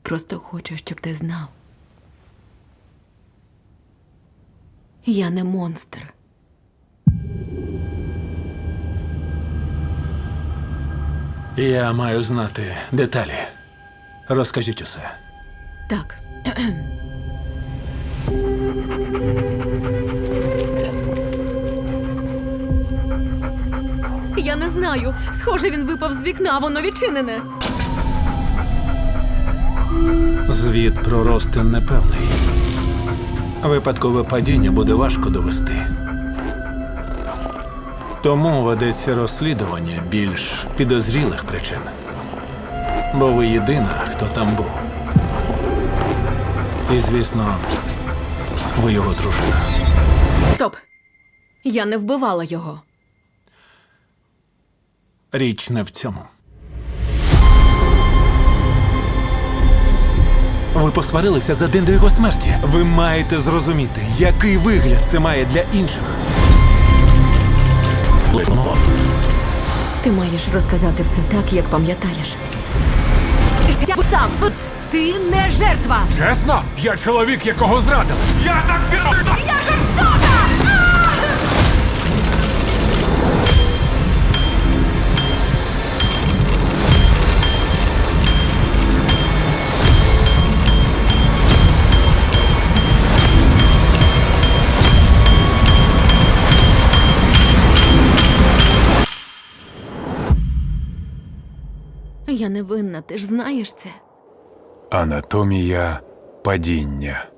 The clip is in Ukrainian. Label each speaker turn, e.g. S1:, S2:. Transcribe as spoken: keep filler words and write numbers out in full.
S1: Просто хочу, щоб ти знав. Я не монстр.
S2: Я маю знати деталі. Розкажіть усе.
S1: Так. Я не знаю. Схоже, він випав з вікна, воно відчинене.
S2: Звіт про Ростин непевний. Випадкове падіння буде важко довести. Тому ведеться розслідування більш підозрілих причин. Бо ви єдина, хто там був. І, звісно, ви його дружина.
S1: Стоп. Я не вбивала його.
S2: Річ не в цьому. Ви посварилися за день до його смерті. Ви маєте зрозуміти, який вигляд це має для інших.
S1: Ти маєш розказати все так, як пам'ятаєш. Сам! Ти не жертва!
S3: Чесно? Я чоловік, якого зрадили. Я так бідно!
S1: Я жорстока! Я не винна, ти ж знаєш це.
S3: Анатомія падіння.